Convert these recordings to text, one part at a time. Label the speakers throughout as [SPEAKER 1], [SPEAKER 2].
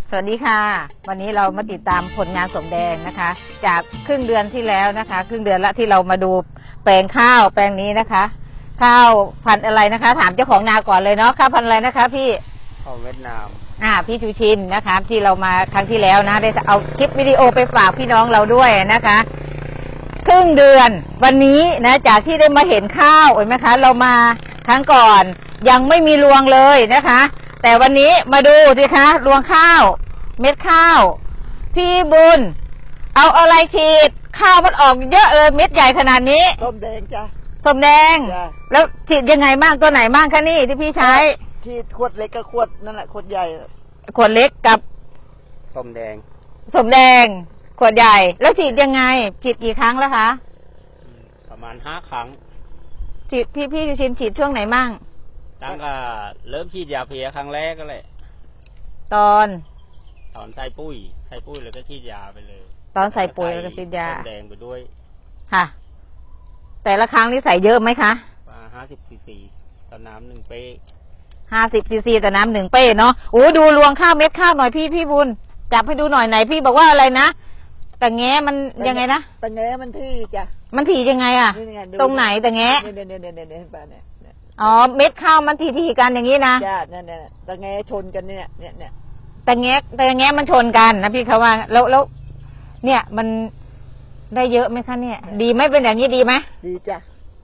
[SPEAKER 1] สวัสดีค่ะวันนี้เรามาติดตามผลงานสมแดงนะคะ จากครึ่งเดือนที่แล้วนะคะครึ่งเดือนละที่เรามาดูแปลงข้าวแปลงนี้นะคะข้าวพันธุ์อะไรนะคะถามเจ้าของนาก่อนเลยเนาะข้าวพันธุ์อะไรนะคะพี่
[SPEAKER 2] ข้าวเวียดนาม
[SPEAKER 1] พี่ชูชินนะคะที่เรามาครั้งที่แล้วนะได้เอาคลิปวิดีโอไปฝากพี่น้องเราด้วยนะคะครึ่งเดือนวันนี้นะจากที่ได้มาเห็นข้าวเห็นไหมคะเรามาครั้งก่อนยังไม่มีรวงเลยนะคะแต่วันนี้มาดูสิคะรวงข้าวเม็ดข้าวพี่บุญเอาอะไรฉีดข้าวมันออกเยอะเลยเม็ดใหญ่ขนาดนี้
[SPEAKER 2] ส้มแดงจ้ะ
[SPEAKER 1] ส้มแดงแล้วฉีดยังไงบ้างตัวไหนบ้างคะนี่ที่พี่ใช้
[SPEAKER 2] ฉีดขวดเล็กกับขวดนั่นแหละขวดใหญ่
[SPEAKER 1] ขวดเล็กกับ
[SPEAKER 2] ส้มแดง
[SPEAKER 1] ขวดใหญ่แล้วฉีดยังไงฉีดกี่ครั้งแล้วคะ
[SPEAKER 2] ประมาณ5 ครั้ง
[SPEAKER 1] ฉีดพี่ชินฉีดช่วงไหนมั่ง
[SPEAKER 2] ตั้งแต่เริ่มฉีดยาเพลียครั้งแรกก็เลย
[SPEAKER 1] ตอน
[SPEAKER 2] ใส่ปุ๋ยแล้วก็ฉีดยาไปเลย
[SPEAKER 1] ตอนใส่ปุ๋ยแล้วก็ฉีดยา
[SPEAKER 2] แดงไปด้วย
[SPEAKER 1] ค่ะแต่ละครั้งนี่ใส่เยอะไหมคะ
[SPEAKER 2] 50 ซีซีต่อน้ำ1 เป้
[SPEAKER 1] 50 ซีซีต่อน้ำ1 เป้เนาะโอ้ดูรวงข้าวเม็ดข้าวหน่อยพี่บุญจับให้ดูหน่อยไหนพี่บอกว่าอะไรนะแต่แง้มันยังไงนะ
[SPEAKER 2] แต่แง้มันที่จ้ะ
[SPEAKER 1] มันถี่ยังไงอะตรงไหนแต่แง้
[SPEAKER 2] เนี่ย
[SPEAKER 1] อ๋อเม็ดข้าวมันถี่กันอย่างนี้นะ
[SPEAKER 2] จ้ะเนี่ยแต่แง้ชนกันเนี่ย
[SPEAKER 1] แต่แง้มันชนกันนะพี่เขาว่าแล้วเนี่ยมันได้เยอะไหมคะเนี่ยดีไหมเป็นอย่างนี้ดีไหม
[SPEAKER 2] ดีจ้ะ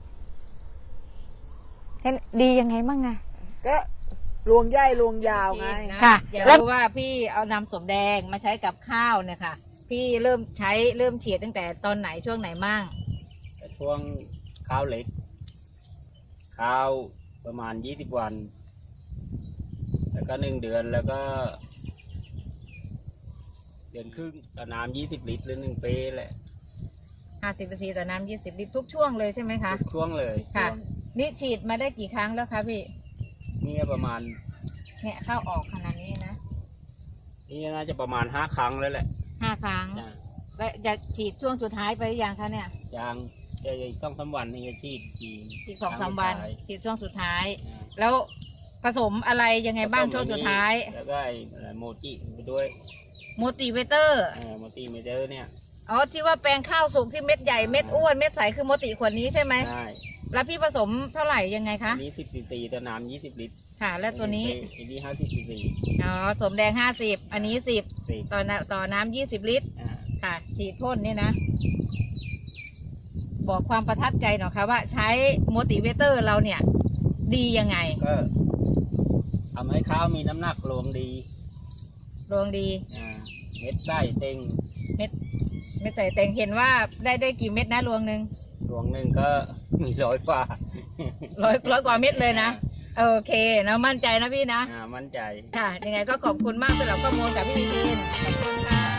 [SPEAKER 1] ดียังไงบ้างไง
[SPEAKER 2] ก็รวงใหญ่รวงยาวไง
[SPEAKER 1] ค่ะแล้วว่าพี่เอานำสมแดงมาใช้กับข้าวเนี่ยค่ะพี่เริ่มฉีดตั้งแต่ตอนไหนช่วงไหนมั่ง
[SPEAKER 2] ช่วงข้าวเล็กข้าวประมาณ20 วันแล้วก็1 เดือนแล้วก็เดือนครึ่งต่อน้ำ20 ลิตรหรือ1 เป้แหละ
[SPEAKER 1] 50 ซีซีต่อน้ำ20 ลิตรทุกช่วงเลยใช่ไหมคะ
[SPEAKER 2] ทุกช่วงเลย
[SPEAKER 1] ค่ะนี่ฉีดมาได้กี่ครั้งแล้วคะพี่
[SPEAKER 2] นี่ประมาณ
[SPEAKER 1] เนี่ยเข้าออกขนาดนี้นะ
[SPEAKER 2] นี่น่าจะประมาณ5 ครั้งแล้วแหละ
[SPEAKER 1] 5 ครั้งแล้วจะฉีดช่วงสุดท้ายไปหรือยังคะเนี่ย
[SPEAKER 2] ยังอีก2-3 วันนี่จะฉีด
[SPEAKER 1] อีก2-3 วันฉีดช่วงสุดท้ายแล้วผสมอะไรยังไงบ้างช่วงสุดท้าย
[SPEAKER 2] แล้วก็โมจิไปด้วย
[SPEAKER 1] โมติเวเตอร์
[SPEAKER 2] เนี่ย
[SPEAKER 1] อ๋อที่ว่าแปลงข้าวสุกที่เม็ดใหญ่เม็ดอ้วนเม็ดใสคือโมติขวดนี้ใช่ไหม
[SPEAKER 2] ใช่
[SPEAKER 1] แล้วพี่ผสมเท่าไหร่ยังไงคะ
[SPEAKER 2] นี้10 ซีซีต่อน้ำ20 ลิตร
[SPEAKER 1] ค่ะแล้วตัวนี้
[SPEAKER 2] นี้50 ซีซี
[SPEAKER 1] อ๋อสมแดง50อันนี้10ต่อน้ำ20 ลิตรค่ะฉีดพ่นนี่นะบอกความประทับใจหน่อยค่ะว่าใช้โมติเวเตอร์เราเนี่ยดียังไง
[SPEAKER 2] ก็ทำให้ข้าวมีน้ำหนักรวงดีเม็ดใส่เต็ง
[SPEAKER 1] เม็ดใส่เต็งเห็นว่าได้กี่เม็ดนะรวงหนึ่ง
[SPEAKER 2] ก็มี100 กว่า
[SPEAKER 1] ร้อยกว่าเม็ดเลยนะโอเคนะมั่นใจนะพี่นะ
[SPEAKER 2] มั่นใจ
[SPEAKER 1] ค่ะยังไงก็ขอบคุณมากสำหรับข้อมูลกับพี่ชินขอบคุณค่ะ